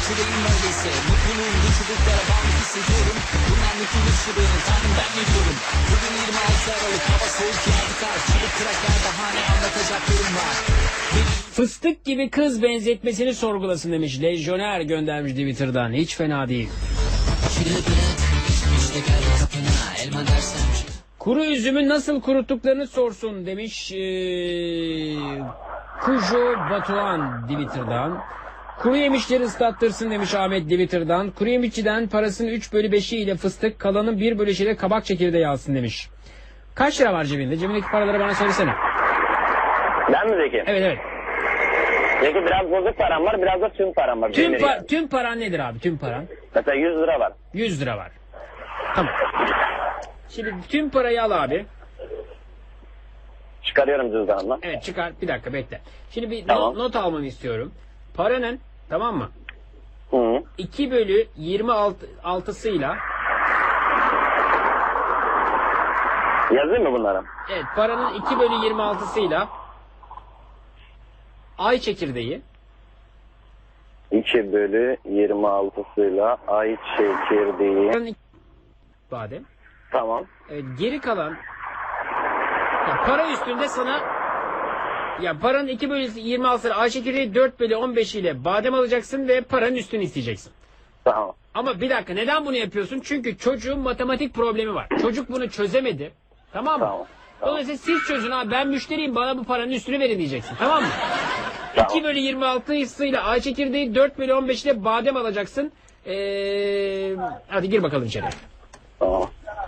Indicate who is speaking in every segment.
Speaker 1: Çileğim öyleyse mutluluğum bu çubuklara bağlı hissediyorum. Bunlar mutluluk sırrı tanrım ben ne diyorum. Bugün 26 Aralık hava soğuk yağdı kar. Çubuk kıraklar bahane anlatacaklarım var.
Speaker 2: Fıstık gibi kız benzetmesini sorgulasın demiş. Lejyoner göndermiş Twitter'dan. Hiç fena değil.
Speaker 1: Çile bırak işte gel kapına elma dersen.
Speaker 2: Kuru üzümü nasıl kuruttuklarını sorsun demiş. Kujo Batuhan Twitter'dan. Kuru yemişleri ıslattırsın demiş Ahmet Twitter'dan. Kuru yemişçiden parasının 3/5'i ile fıstık, kalanın 1/5'i ile kabak çekirdeği alsın demiş. Kaç lira var cebinde? Cebindeki paraları bana söylesene.
Speaker 3: Ben mi Zeki?
Speaker 2: Evet evet.
Speaker 3: Zeki biraz bozuk param var, biraz da tüm param var.
Speaker 2: Tüm paran nedir abi? Tüm paran?
Speaker 3: Mesela 100 lira var.
Speaker 2: 100 lira var. Tamam. Şimdi tüm parayı al abi.
Speaker 3: Çıkarıyorum cüzdanımdan.
Speaker 2: Evet çıkar. Bir dakika bekle. Şimdi bir
Speaker 3: Tamam.
Speaker 2: not almanı istiyorum. Paranın, tamam mı?
Speaker 3: Hı.
Speaker 2: 2/26'sıyla
Speaker 3: Yazayım mı bunları?
Speaker 2: evet paranın 2/26'sıyla ay çekirdeği
Speaker 3: 2/26'sıyla ay çekirdeği.
Speaker 2: paranın badem.
Speaker 3: Tamam.
Speaker 2: Evet, geri kalan ya para üstünde sana ya paranın 2/26'sıyla ay çekirdeği 4/15 ile badem alacaksın ve paranın üstünü isteyeceksin.
Speaker 3: Tamam.
Speaker 2: Ama bir dakika neden bunu yapıyorsun? Çünkü çocuğun matematik problemi var. Çocuk bunu çözemedi. Tamam mı?
Speaker 3: Tamam.
Speaker 2: Dolayısıyla siz çözün abi ben müşteriyim bana bu paranın üstünü verin diyeceksin. Tamam mı?
Speaker 3: Tamam.
Speaker 2: 2/26'sıyla ay çekirdeği 4/15 ile badem alacaksın. Hadi gir bakalım içeri.
Speaker 3: Tamam.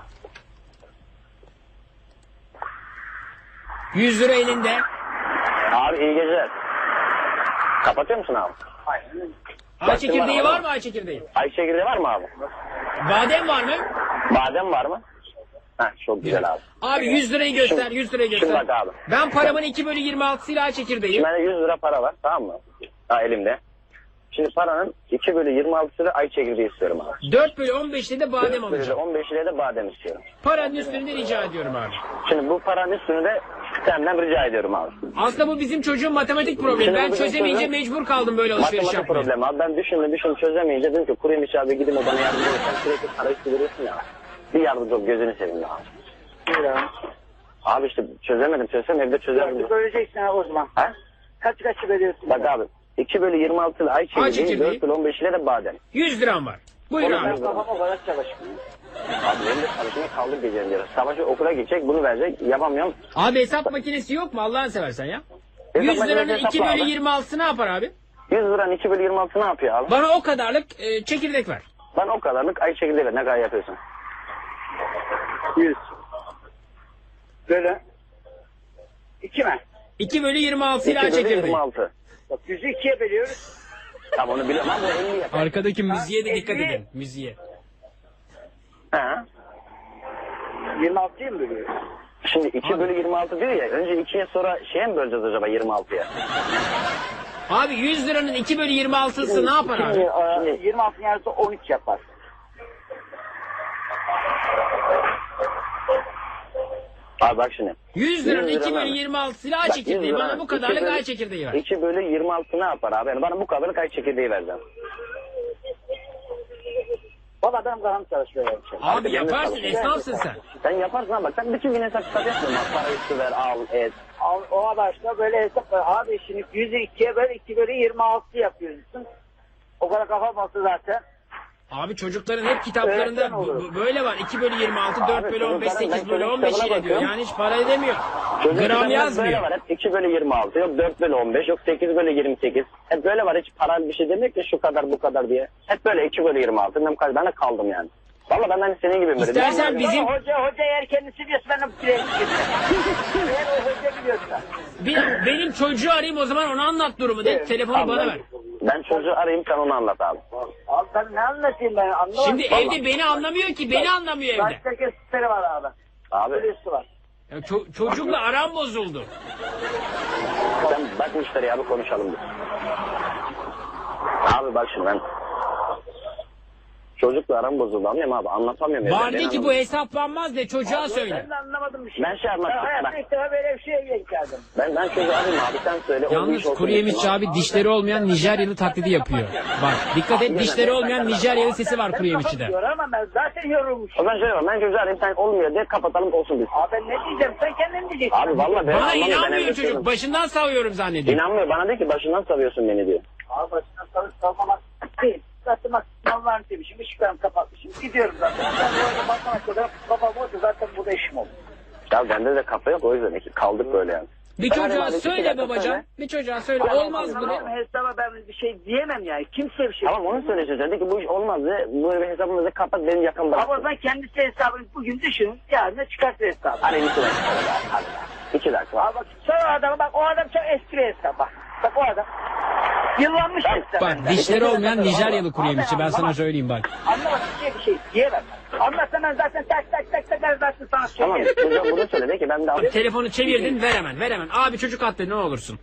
Speaker 2: 100 lira elinde.
Speaker 3: Abi iyi geceler. Kapatıyor musun abi?
Speaker 2: Ay çekirdeği var mı ay çekirdeği?
Speaker 3: Ay çekirdeği var mı abi?
Speaker 2: Badem var mı?
Speaker 3: Badem var mı? Heh, çok güzel abi.
Speaker 2: Abi 100 lirayı göster,
Speaker 3: Şimdi-
Speaker 2: 100 lirayı
Speaker 3: şimdi
Speaker 2: göster.
Speaker 3: bak abi.
Speaker 2: Ben paramın 2/26'sıyla ay çekirdeği.
Speaker 3: Şimdi bende 100 lira para var, tamam mı? Ha, elimde. Şimdi paranın 2/26'sıyla ay çekirdeği istiyorum abi.
Speaker 2: 4/15'te de badem alacağım.
Speaker 3: 15 ile de badem istiyorum.
Speaker 2: Paranın üstünü de rica ediyorum abi.
Speaker 3: Şimdi bu paranın üstünü de senden rica ediyorum abi.
Speaker 2: Aslında bu bizim çocuğun matematik problemi.
Speaker 3: Şimdi
Speaker 2: Ben
Speaker 3: bu bizim
Speaker 2: çözemeyince
Speaker 3: çocuğun
Speaker 2: mecbur kaldım böyle alışveriş
Speaker 3: Matematik
Speaker 2: yapmaya.
Speaker 3: problemi abi. Ben düşündüm çözemeyince dedim ki kuruymuş abi gidin o bana yardımcı olur. Sen sürekli para üstü veriyorsun ya. Bir yardımcı ol gözünü seveyim ya. Abi işte çözsem evde çözerim.
Speaker 4: Böleceksin ha o zaman.
Speaker 3: Ha?
Speaker 4: Kaç veriyorsun?
Speaker 3: Bak abi 2/26 ile ay çekirdeği
Speaker 2: çekirdeği.
Speaker 3: 4/15 ile de badem.
Speaker 2: 100 liram var. Buyur
Speaker 3: Oğlum,
Speaker 2: abi.
Speaker 3: ben-
Speaker 4: Kafama o kadar çalışmıyor.
Speaker 3: Abi benim de çalışmaya kaldık gecenin yarısı. Sabahçı okula gidecek bunu verecek yapamıyorum.
Speaker 2: Abi hesap makinesi yok mu Allah'ını seversen ya?
Speaker 3: Hesap
Speaker 2: 100 liranın
Speaker 3: makinesi hesapla abi.
Speaker 2: 2/26'sı ne yapar abi?
Speaker 3: 100 liranın 2/26 ne yapıyor abi?
Speaker 2: Bana o kadarlık çekirdek ver.
Speaker 3: Ben o kadarlık ay çekirdeği ver ne kadar yapıyorsun?
Speaker 4: 100. Böyle. 2 mi?
Speaker 2: 2/26 ile ay çekirdeği.
Speaker 3: 2/26.
Speaker 4: Bak 100'ü 2'ye bölüyoruz.
Speaker 3: Tamam onu biliyorum ama 50 yapar.
Speaker 2: Arkadaki müziğe de dikkat
Speaker 4: 50.
Speaker 2: edin. Müziğe.
Speaker 3: He.
Speaker 4: 26'yı mı bölüyoruz?
Speaker 3: Şimdi 2/26 diyor ya. Önce 2'ye sonra şeye mi böleceğiz acaba 26'ya?
Speaker 2: Abi 100 liranın 2/26'sı ne yapar abi?
Speaker 4: Şimdi 26'ın yarısı 13 yapar.
Speaker 3: Abi bak şimdi.
Speaker 2: 100 liranın
Speaker 3: 100 liranın-
Speaker 2: 2/26'sı ile ay
Speaker 3: Bak,
Speaker 2: çekirdeği.
Speaker 3: 100
Speaker 2: Bana
Speaker 3: liranın
Speaker 2: bu kadarlık
Speaker 3: 2
Speaker 2: ay çekirdeği ver.
Speaker 3: 2/26 ne yapar abi? Yani bana bu kadarlık ay çekirdeği vereceğim.
Speaker 4: Valla benim kafam çalışıyor yani.
Speaker 2: Abi
Speaker 3: ben de
Speaker 2: yaparsın
Speaker 3: çalışıyorum.
Speaker 2: esnafsın sen.
Speaker 3: Sen yaparsın ama bak sen bütün gün hesap kitap yapmıyorsun. Bak, para üstü ver al et.
Speaker 4: O amaçla böyle hesap var. Abi şimdi 100'ü 2'ye böl 2/26 yapıyorsun. O kadar kafam olsa zaten.
Speaker 2: Abi çocukların hep kitaplarında
Speaker 4: Öğretmen olur.
Speaker 2: böyle var. 2/26, 4/15,
Speaker 3: çocukların ben
Speaker 2: 8/15
Speaker 3: çocuk
Speaker 2: ile diyor.
Speaker 3: kitabına
Speaker 2: Yani hiç para edemiyor.
Speaker 3: Çocuk
Speaker 2: Gram
Speaker 3: kitabında
Speaker 2: yazmıyor.
Speaker 3: Böyle var hep 2/26 yok 4/15 yok 8/28. Hep böyle var hiç para bir şey demek ki şu kadar bu kadar diye. Hep böyle 2/26. Ben de kaldım yani. Valla ben hani senin gibi böyle.
Speaker 2: İstersen
Speaker 3: Ben-
Speaker 2: bizim
Speaker 4: Hoca eğer kendisi biliyorsa ben de bileğini Eğer o hoca biliyorsa.
Speaker 2: benim çocuğu arayayım o zaman ona anlat durumu de. Telefonu
Speaker 3: Abi
Speaker 2: bana ver.
Speaker 3: Ben çocuğu arayayım sen onu anlat abi.
Speaker 4: Abi ben ne anlatayım ben anlamadım.
Speaker 2: Şimdi evde beni anlamıyor ki. Beni anlamıyor evde.
Speaker 4: Başka kesitleri var abi.
Speaker 3: Abi
Speaker 4: Birisi var.
Speaker 2: Ya çocukla aram bozuldu.
Speaker 3: sen bak müşteri abi konuşalım biz. Abi bak şimdi ben Çocukla aram bozuldu anlıyorum abi anlatamıyorum.
Speaker 2: Var de ki bu hesaplanmaz de çocuğa söyle.
Speaker 4: Ben de anlamadım bir şey.
Speaker 3: Ben şey anlatayım,
Speaker 4: hayatta
Speaker 3: bak.
Speaker 4: ilk defa böyle bir şeye denk geldim.
Speaker 3: Ben çocuğa arayayım abi sen söyle. o bir
Speaker 2: Yalnız
Speaker 3: iş olsun
Speaker 2: kuru yemişçi
Speaker 3: desin
Speaker 2: abi dişleri olmayan Nijeryalı taklidi yapıyor. Bak dikkat et, dişleri olmayan Nijeryalı sesi var kuru yemişçide.
Speaker 4: Kapat diyor ama ben zaten yorulmuşum.
Speaker 3: O zaman şöyle var ben çocuğa arayayım sen olmuyor de kapatalım olsun biz.
Speaker 4: Abi ben ne diyeceğim sen kendin diyeceksin.
Speaker 3: Abi valla ben
Speaker 2: Bana
Speaker 3: anlamıyorum, ben
Speaker 2: inanmıyor
Speaker 3: evde
Speaker 2: çocuk.
Speaker 3: söylüyorum.
Speaker 2: Başından savuyorum zannediyor.
Speaker 3: İnanmıyor bana de ki başından savuyorsun beni diyor.
Speaker 4: Abi başına salmamak değil. Zaten bak sınavlarını demişim. Işıklarımı kapatmışım. Gidiyorum zaten. Ben böyle bakana kadar kafam oldu. Zaten burada işim oldu.
Speaker 3: Ya bende de kafa yok o yüzden kaldık böyle yani.
Speaker 2: Bir
Speaker 3: Ben
Speaker 2: çocuğa
Speaker 3: arayayım abi,
Speaker 2: söyle
Speaker 3: iki dakika
Speaker 2: babacan.
Speaker 3: söyle.
Speaker 2: Bir çocuğa söyle. Olmaz mı?
Speaker 4: Tamam hesaba ben bir şey diyemem yani. Kimse bir şey
Speaker 3: Tamam onu söyleyeceğiz dedi ki bu iş olmaz de böyle hesabımızı kapat benim yakın
Speaker 4: Ama o
Speaker 3: bıraksın.
Speaker 4: zaman kendisi hesabını bugün düşünün. Yarın çıkartır hesabı.
Speaker 3: Hani 2 dakika. Hadi. 2 dakika.
Speaker 4: Abi bak sonra adama bak o adam çok eski bir hesap bak. Bak o adam. Yıllanmış hesap.
Speaker 2: Bak dişleri olmayan Nijeryalı kuru yemişçi, ben sana söyleyeyim bak.
Speaker 4: Anlamasın bir şey diyemem. Anlatsa ben zaten tak ben zaten sana
Speaker 3: Tamam
Speaker 4: söyleyeyim.
Speaker 3: çocuğa bunu söyle de ki ben de
Speaker 2: Abi, telefonu çevirdin, ver hemen. Abi çocuk attı, ne olursun.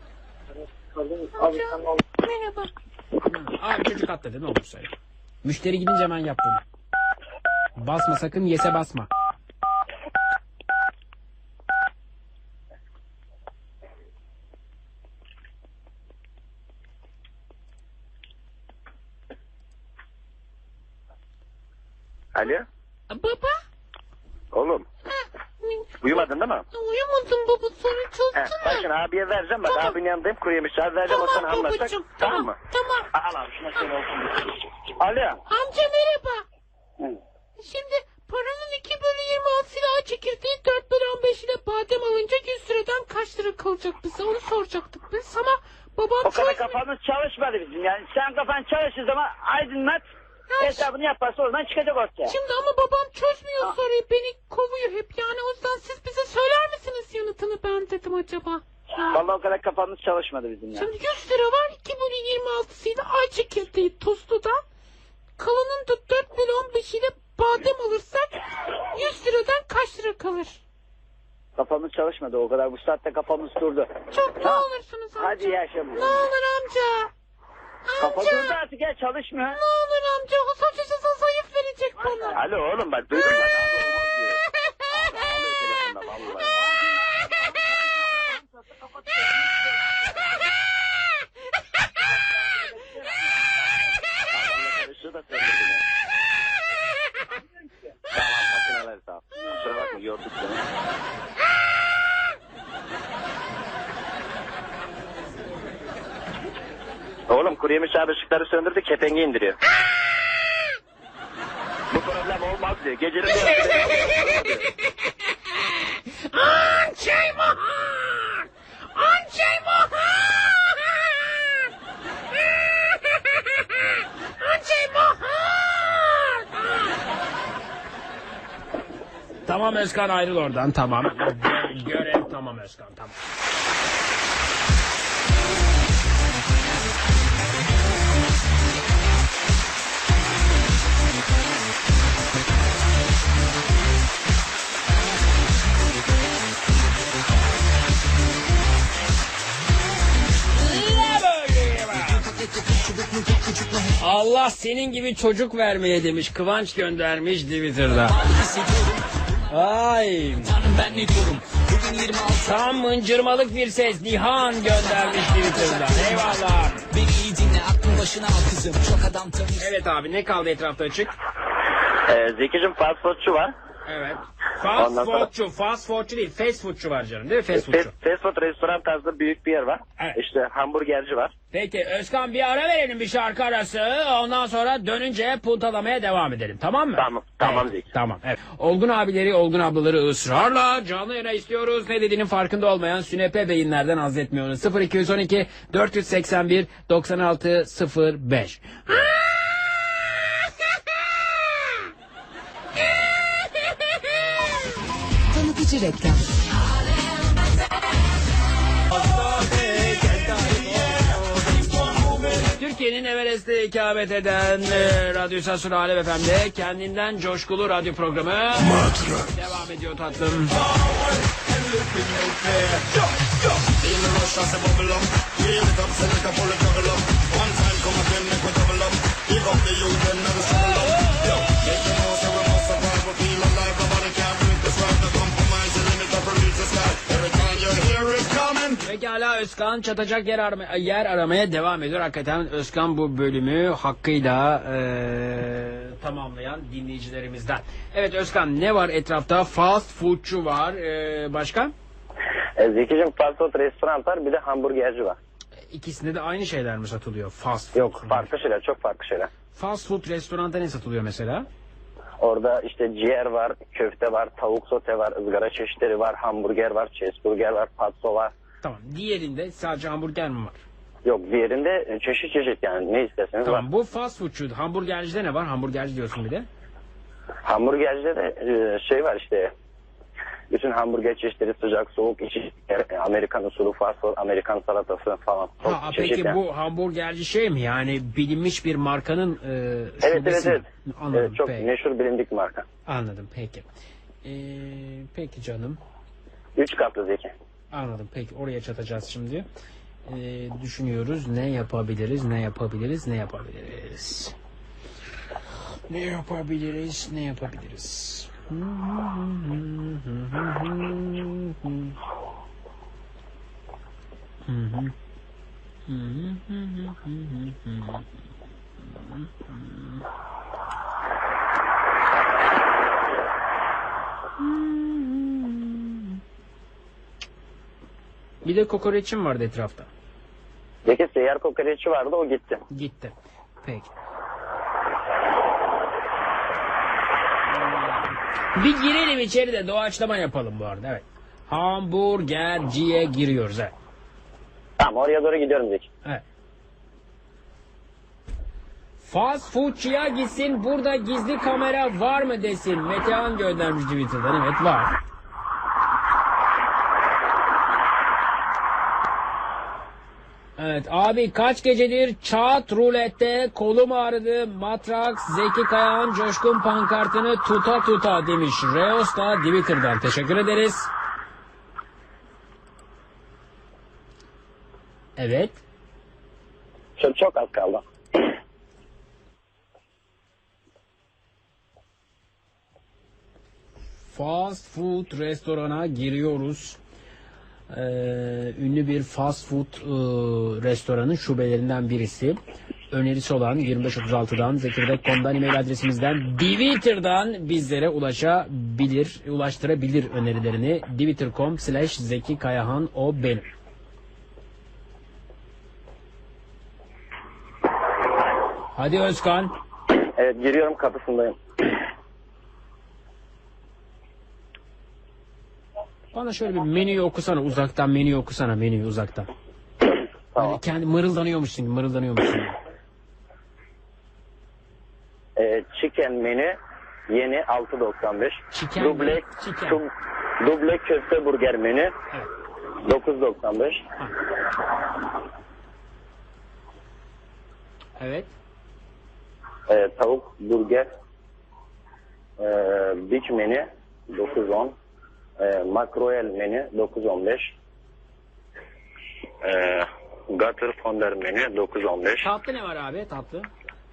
Speaker 5: Merhaba.
Speaker 2: Abi çocuk attı, ne olur söyle. Müşteri gidince hemen yap bunu. Basma sakın, yese basma.
Speaker 3: Alo.
Speaker 5: Baba.
Speaker 3: Oğlum. Uyumadın değil mi?
Speaker 5: Uyumadım baba, sonra çözdün
Speaker 3: Bak
Speaker 5: mü?
Speaker 3: şimdi abiye vereceğim bak
Speaker 5: Tamam.
Speaker 3: abinin yanındayım kuru yemiş abi vereceğim o sana
Speaker 5: Tamam
Speaker 3: anlatacak.
Speaker 5: babacığım.
Speaker 3: Tamam mı?
Speaker 5: Tamam.
Speaker 3: Al abi şuna şöyle olsun. Alo.
Speaker 5: Amca merhaba. Şimdi paranın 2/26 silahı çekirdeği 4/15 ile badem alınca 100 liradan kaç lira kalacak bize, onu soracaktık biz ama babam
Speaker 4: O kadar
Speaker 5: çözmüyor.
Speaker 4: kafamız çalışmadı bizim yani. Sen kafan çalışır zaman aydınlat. Hesabını yaparsa oradan çıkacak ortaya.
Speaker 5: Şimdi ama babam çözmüyor soruyu, beni kovuyor hep yani, o yüzden siz bize söyler misiniz yanıtını, ben dedim acaba.
Speaker 4: Vallahi o kadar kafamız çalışmadı bizim yani.
Speaker 5: Şimdi 100 lira var, 2/26'sıyla ay çekirdeği tostludan, kalanın da 4/15 ile badem alırsak 100 liradan kaç lira kalır?
Speaker 4: Kafamız çalışmadı o kadar. Bu saatte kafamız durdu.
Speaker 5: Çok ne
Speaker 4: Tamam.
Speaker 5: olursunuz amca.
Speaker 4: Hadi yaşa.
Speaker 5: Ne olur amca.
Speaker 4: Kafa
Speaker 5: Amca.
Speaker 4: durdu artık ya çalışmıyor.
Speaker 5: Ne olur amca. O saçıcısı zayıf verecek bana.
Speaker 3: Alo oğlum bak duydun mu? Abi olmaz diyor. Alıyor telefonda vallahi. Karıştı da söyledi beni. Tamam makineler sağ ol. Kusura bakma yorduk seni. Oğlum kuru yemiş abi ışıkları söndürdü kepengi indiriyor. Bu problem olmaz diyor. Gecenin bir yarısı beni alıyor, diyor.
Speaker 5: Ançay Mohan! Ançay Mohan! Ançay Mohan!
Speaker 2: Tamam Özkan, ayrıl oradan, tamam. Görev tamam Özkan, tamam. Allah senin gibi çocuk vermeye demiş, Kıvanç göndermiş Twitter'da. Ay.
Speaker 1: Tanrım ben ne diyorum? Bugün 26
Speaker 2: Tam mıncırmalık bir ses Nihan göndermiş Twitter'da. Eyvallah.
Speaker 1: beni iyi dinle aklın başına al kızım. Çok adam tanıyorsun.
Speaker 2: Evet abi, ne kaldı etrafta açık?
Speaker 3: Zeki'cim fast foodçu var.
Speaker 2: Evet. Fast
Speaker 3: Ondan sonra-
Speaker 2: foodçu değil, fast foodçu var canım, değil mi? Fast foodçu.
Speaker 3: Fast food restoran tarzında büyük bir yer var.
Speaker 2: Evet.
Speaker 3: İşte hamburgerci var.
Speaker 2: Peki Özkan, bir ara verelim, bir şarkı arası. Ondan sonra dönünce puntalamaya devam edelim, tamam mı?
Speaker 3: Tamam
Speaker 2: Evet,
Speaker 3: Zeki.
Speaker 2: tamam. Evet. Olgun abileri, olgun ablaları ısrarla canlı yayına istiyoruz. Ne dediğinin farkında olmayan sünepe beyinlerden haz etmiyoruz. 0212 481 96 05.
Speaker 6: Tanıtıcı reklam.
Speaker 2: Türkiye'nin Everest'te ikamet eden radyo istasyonu Alem FM'de kendinden coşkulu radyo programı devam ediyor tatlım. Pekala, Özkan çatacak yer aramaya devam ediyor. Hakikaten Özkan bu bölümü hakkıyla tamamlayan dinleyicilerimizden. Evet Özkan, ne var etrafta? Fast foodçu var. Başka?
Speaker 3: Zekicim fast food restoran var, bir de hamburgerci var.
Speaker 2: İkisinde de aynı şeyler mi satılıyor? Fast food.
Speaker 3: Yok, farklı şeyler, çok farklı şeyler.
Speaker 2: Fast food restoranda ne satılıyor mesela?
Speaker 3: Orada işte ciğer var, köfte var, tavuk sote var, ızgara çeşitleri var, hamburger var, cheeseburger var, patso var.
Speaker 2: Tamam. Diğerinde sadece hamburger mi var?
Speaker 3: Yok, diğerinde çeşit çeşit, yani ne isterseniz var.
Speaker 2: Tamam. Bu fast foodçu. Hamburgercide ne var? Hamburgerci diyorsun bir de.
Speaker 3: Hamburgercide de şey var işte, bütün hamburger çeşitleri, sıcak, soğuk, içi, Amerikan usulü, fast food, Amerikan salatası falan. Çok çeşit
Speaker 2: Peki
Speaker 3: yani.
Speaker 2: bu hamburgerci şey mi? Yani bilinmiş bir markanın
Speaker 3: Evet,
Speaker 2: şubesi mi?
Speaker 3: evet.
Speaker 2: Anladım.
Speaker 3: Evet, çok
Speaker 2: peki.
Speaker 3: meşhur bilindik marka.
Speaker 2: Anladım. Peki. Peki canım.
Speaker 3: 3 katlı Zeki.
Speaker 2: Anladım. Peki oraya çatacağız şimdi. Düşünüyoruz. Ne yapabiliriz? Ne yapabiliriz? Ne yapabiliriz? Ne yapabiliriz? Ne yapabiliriz? Bir de kokoreçim vardı etrafta.
Speaker 3: Zeki seyyar kokoreççi vardı, o gitti.
Speaker 2: Gitti. Peki. Bir girelim içeri de doğaçlama yapalım bu arada. Evet. Hamburgerciye giriyoruz. Evet.
Speaker 3: Tamam, oraya doğru gidiyorum Zeki.
Speaker 2: Evet. Fast foodçuya gitsin, burada gizli kamera var mı desin. Metehan göndermiş Twitter'dan. Evet, var. Evet abi, kaç gecedir çat rulette kolum ağrıdı, Matrax Zeki Kayağan coşkun pankartını tuta tuta demiş. Reos da Twitter'dan. Teşekkür ederiz. Evet.
Speaker 3: Çok az kaldı.
Speaker 2: Fast food restorana giriyoruz. Ünlü bir fast food restoranın şubelerinden birisi. Önerisi olan 2536'dan, Zekirdek.com'dan, e-mail adresimizden, Twitter'dan bizlere ulaştırabilir önerilerini. Twitter.com/Zeki Kayahan, o benim. Hadi Özkan.
Speaker 3: Evet, giriyorum, kapısındayım.
Speaker 2: Bana şöyle bir menüyü okusana uzaktan, menüyü okusana, menüyü uzaktan.
Speaker 3: Tamam.
Speaker 2: Böyle kendi mırıldanıyormuşsun gibi, mırıldanıyormuşsun gibi.
Speaker 3: Chicken menü yeni 6.95.
Speaker 2: Chicken
Speaker 3: Duble,
Speaker 2: mi? Chicken.
Speaker 3: duble köfte burger menü
Speaker 2: Evet.
Speaker 3: 9.95.
Speaker 2: Evet.
Speaker 3: Tavuk burger Big menü 9.10. Makroel menü 9.15. Gutter fonder menü 9.15.
Speaker 2: Tatlı ne var abi, tatlı?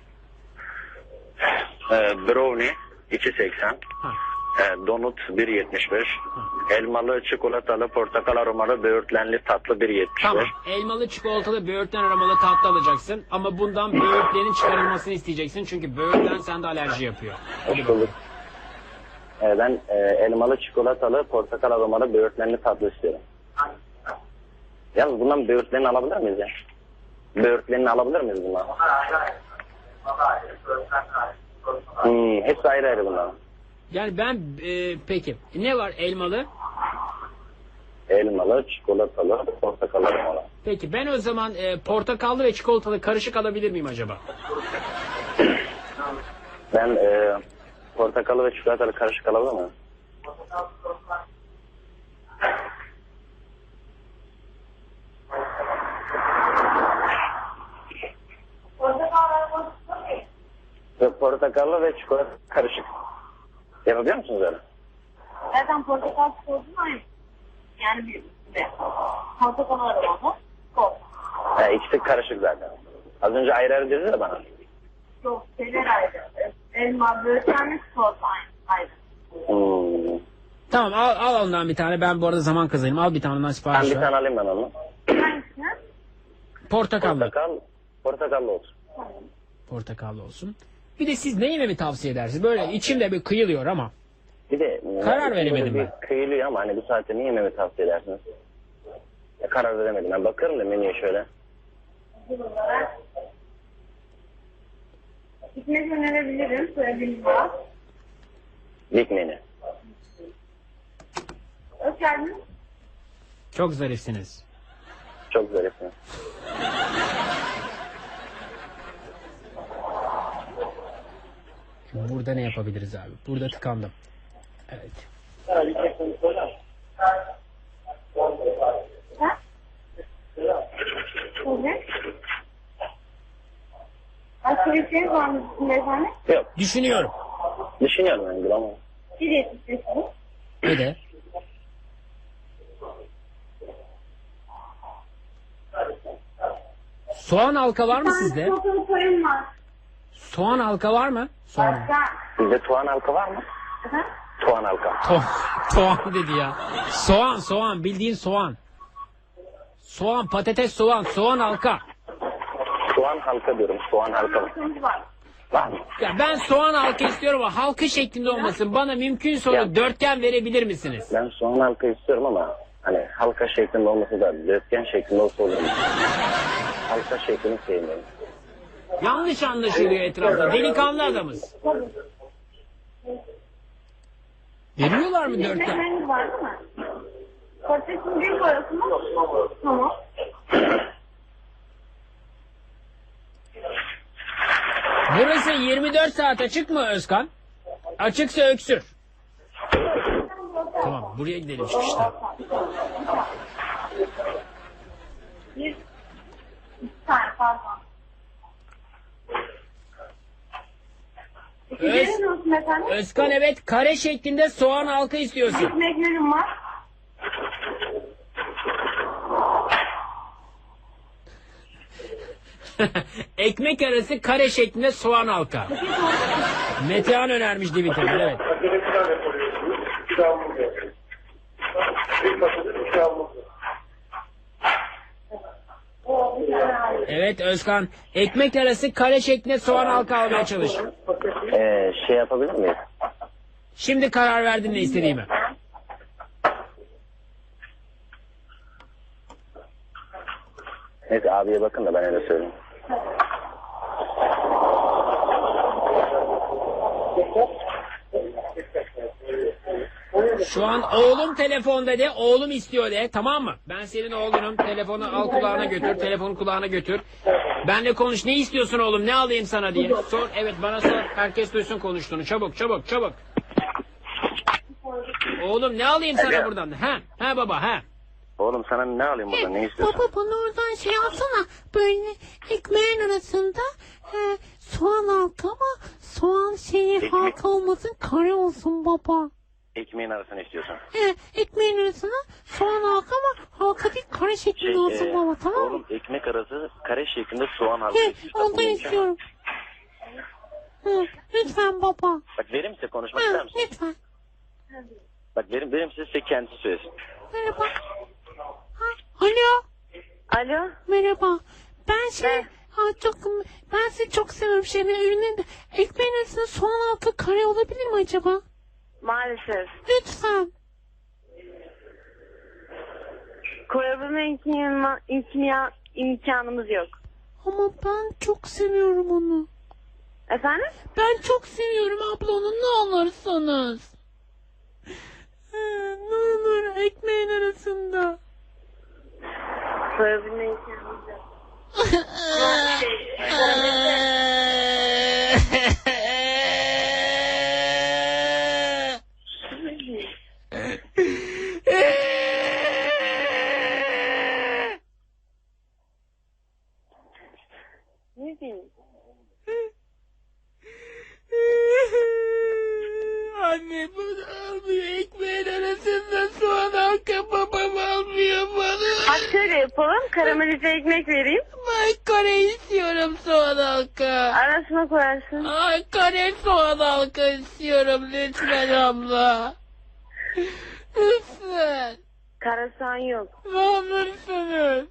Speaker 3: Brownie 2.80.
Speaker 2: Ha.
Speaker 3: Donut 1.75. Elmalı, çikolatalı, portakal aromalı, böğürtlenli tatlı 1.75.
Speaker 2: Tamam. Elmalı, çikolatalı, böğürtlen aromalı tatlı alacaksın. Ama bundan böğürtlerin çıkarılmasını isteyeceksin. Çünkü böğürtlen sende alerji yapıyor. Hadi bakalım.
Speaker 3: Ben elmalı, çikolatalı, portakal aromalı, böğürtlenli tatlı istiyorum. Yalnız bundan böğürtlerini alabilir miyiz ya? Böğürtlerini alabilir miyiz bundan? Hepsi ayrı ayrı bunlar.
Speaker 2: Yani ben peki ne var elmalı?
Speaker 3: Elmalı, çikolatalı, portakal aromalı.
Speaker 2: Peki ben o zaman portakallı ve çikolatalı karışık alabilir miyim acaba?
Speaker 3: Ben portakalı ve çikolatalı karışık alabilir miyim? Portakallı ve çikolata karışık. Yapabiliyor musunuz öyle?
Speaker 7: Zaten portakal sosu aynı. Yani bir portakal aromalı sos.
Speaker 3: İkisi karışık zaten. Az önce ayrı ayrı dediniz de bana.
Speaker 7: Yok, şeyler ayrı. Elma, böğürtlenli sos aynı.
Speaker 3: Hmm.
Speaker 2: Tamam al ondan bir tane. Ben bu arada zaman kazanayım. Al bir tane ondan
Speaker 3: Ben
Speaker 2: sipariş
Speaker 3: bir
Speaker 2: ver.
Speaker 3: tane alayım ben onu.
Speaker 7: Hangisini?
Speaker 2: Portakallı.
Speaker 3: Portakallı olsun.
Speaker 2: Portakallı olsun. Bir de siz ne yememi tavsiye edersiniz? Böyle içimde bir kıyılıyor ama.
Speaker 3: Bir de
Speaker 2: Karar veremedim
Speaker 3: bir
Speaker 2: ben.
Speaker 3: kıyılıyor ama hani bu saatte niye yememi tavsiye edersiniz? Karar veremedim. Ben bakıyorum da menüye şöyle.
Speaker 7: Gitmek önerebilirim. Söylediğiniz var.
Speaker 3: Big menü.
Speaker 7: Hoş geldiniz.
Speaker 2: Çok zarifsiniz.
Speaker 3: Çok zarifsin.
Speaker 2: Şimdi burada ne yapabiliriz abi? Burada tıkandım. Evet.
Speaker 7: Ha? Evet. Başka bir şey var mı beyefendi?
Speaker 3: Yok.
Speaker 2: Düşünüyorum.
Speaker 3: Düşünüyorum ben Gül ama.
Speaker 7: Bir yetiştirirsiniz.
Speaker 2: Öde. Soğan halka var mı sizde?
Speaker 7: Soğan koyun var.
Speaker 2: Soğan halka var mı? Soğan.
Speaker 7: Başka.
Speaker 3: Sizde tuğan halka var mı?
Speaker 7: Efendim?
Speaker 3: Tuğan halka.
Speaker 2: Soğan dedi ya. Soğan bildiğin soğan. Soğan, patates, soğan halka.
Speaker 3: Soğan halka diyorum. Soğan halka var.
Speaker 7: Soğan var.
Speaker 3: Var mı?
Speaker 2: Ya ben soğan halka istiyorum ama halka şeklinde olmasın. Bana mümkünse onu
Speaker 3: Ya.
Speaker 2: dörtgen verebilir misiniz?
Speaker 3: Ben soğan halka istiyorum ama hani halka şeklinde olması da dörtgen şeklinde olsa olur mu? Halka şeklini sevmiyorum.
Speaker 2: Yanlış anlaşılıyor etrafta. Delikanlı adamız. Veriyorlar mı dörtgen?
Speaker 7: Ekmekleriniz var değil mi? Patatesin bir parası mı? Tamam.
Speaker 2: Burası 24 saat açık mı Özkan? Açıksa öksür. Tamam buraya gidelim çıkışta.
Speaker 7: Bir tane pardon. İkizlerin olsun efendim.
Speaker 2: Özkan evet kare şeklinde soğan halka istiyorsun.
Speaker 7: Ekmeklerim var.
Speaker 2: Ekmek arası kare şeklinde soğan halka. Metehan önermiş Twitter'da evet. Evet Özkan ekmek arası kare şeklinde soğan halka almaya çalış.
Speaker 3: Şey yapabilir miyiz?
Speaker 2: Şimdi karar verdin ne istediğimi.
Speaker 3: Neyse abiye bakın da ben öyle söyleyeyim.
Speaker 2: Şu an oğlum telefonda de, oğlum istiyor de, tamam mı? Ben senin oğlunum, telefonu al kulağına götür, telefonu kulağına götür. Benle konuş, ne istiyorsun oğlum, ne alayım sana diye. Sor, evet bana sor, herkes duysun konuştuğunu, çabuk. Oğlum ne alayım sana buradan? He baba.
Speaker 3: Oğlum sana ne alayım buradan, ne istiyorsun?
Speaker 5: Baba bana oradan şey alsana. Böyle ekmeğin arasında soğan halka ama soğan halka olmasın kare olsun baba.
Speaker 3: Ekmeğin arasını istiyorsun.
Speaker 5: Ekmeğin arasına soğan halka ama halka değil kare şeklinde olsun baba tamam mı?
Speaker 3: Oğlum ekmek arası kare şeklinde soğan halka istiyorsun.
Speaker 5: Ondan istiyorum. Lütfen baba.
Speaker 3: Bak verim size konuşmak ister misin?
Speaker 5: Lütfen.
Speaker 3: Bak verim size kendisi söylesin.
Speaker 5: Merhaba. Alo.
Speaker 7: Alo.
Speaker 5: Merhaba. Ben ben sizi çok seviyorum ürünün de ekmeğin arasında soğan halka kare olabilir mi acaba?
Speaker 7: Maalesef.
Speaker 5: Lütfen.
Speaker 7: Koyabilme imkanımız yok.
Speaker 5: Ama ben çok seviyorum onu.
Speaker 7: Efendim?
Speaker 5: Ben çok seviyorum abla onu ne olursanız. Ne olur ekmeğin arasında.
Speaker 7: Koyabilme imkanımız yok. Ne diyeyim?
Speaker 5: Anne bunu almıyor ekmeğin arasında soğan halka babam almıyor bana.
Speaker 7: Hadi şöyle yapalım. Karamelize ekmek vereyim.
Speaker 5: Ben kare istiyorum soğan halka.
Speaker 7: Arasına koyarsın.
Speaker 5: Ay kare soğan halka istiyorum lütfen abla. Lütfen.
Speaker 7: Karasan yok.
Speaker 5: Ne olursunuz.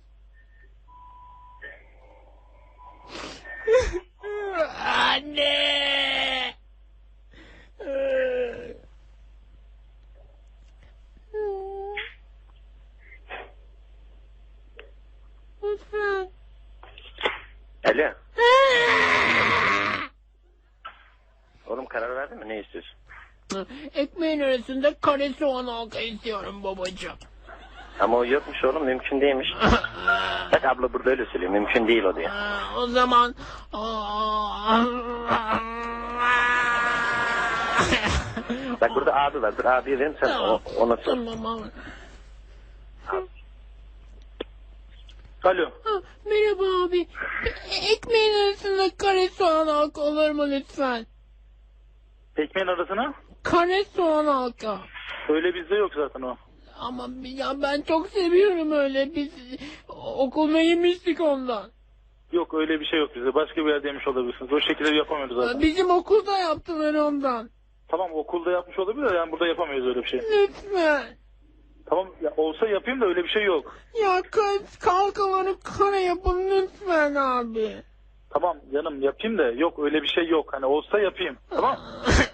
Speaker 5: Anne. Lütfen.
Speaker 3: Alo. Oğlum karar verdin mi? Ne istiyorsun?
Speaker 5: Ekmeğin arasında kare soğan halka istiyorum babacığım.
Speaker 3: Ama o yokmuş oğlum. Mümkün değilmiş. Bak abla burada öyle söylüyor. Mümkün değil o diyor.
Speaker 5: O zaman...
Speaker 3: Bak burada abi var. Dur abiye verin sen ona sor.
Speaker 5: Tamam.
Speaker 3: Alo.
Speaker 5: Merhaba abi. Ekmeğin arasında kare soğan halka olur mu lütfen?
Speaker 8: Ekmeğin arasına?
Speaker 5: Kare soğan halka.
Speaker 8: Öyle bizde yok zaten o.
Speaker 5: Ama ya ben çok seviyorum öyle. Biz okulda yemiştik ondan.
Speaker 8: Yok öyle bir şey yok bizde. Başka bir yerde yemiş olabilirsiniz. O şekilde yapamıyoruz zaten.
Speaker 5: Bizim okulda yaptılar ondan.
Speaker 8: Tamam okulda yapmış olabilir yani burada yapamıyoruz öyle bir şey.
Speaker 5: Lütfen.
Speaker 8: Tamam ya, olsa yapayım da öyle bir şey yok.
Speaker 5: Ya kalkaları kare yapın lütfen abi.
Speaker 8: Tamam canım yapayım da yok öyle bir şey yok. Hani olsa yapayım. Tamam.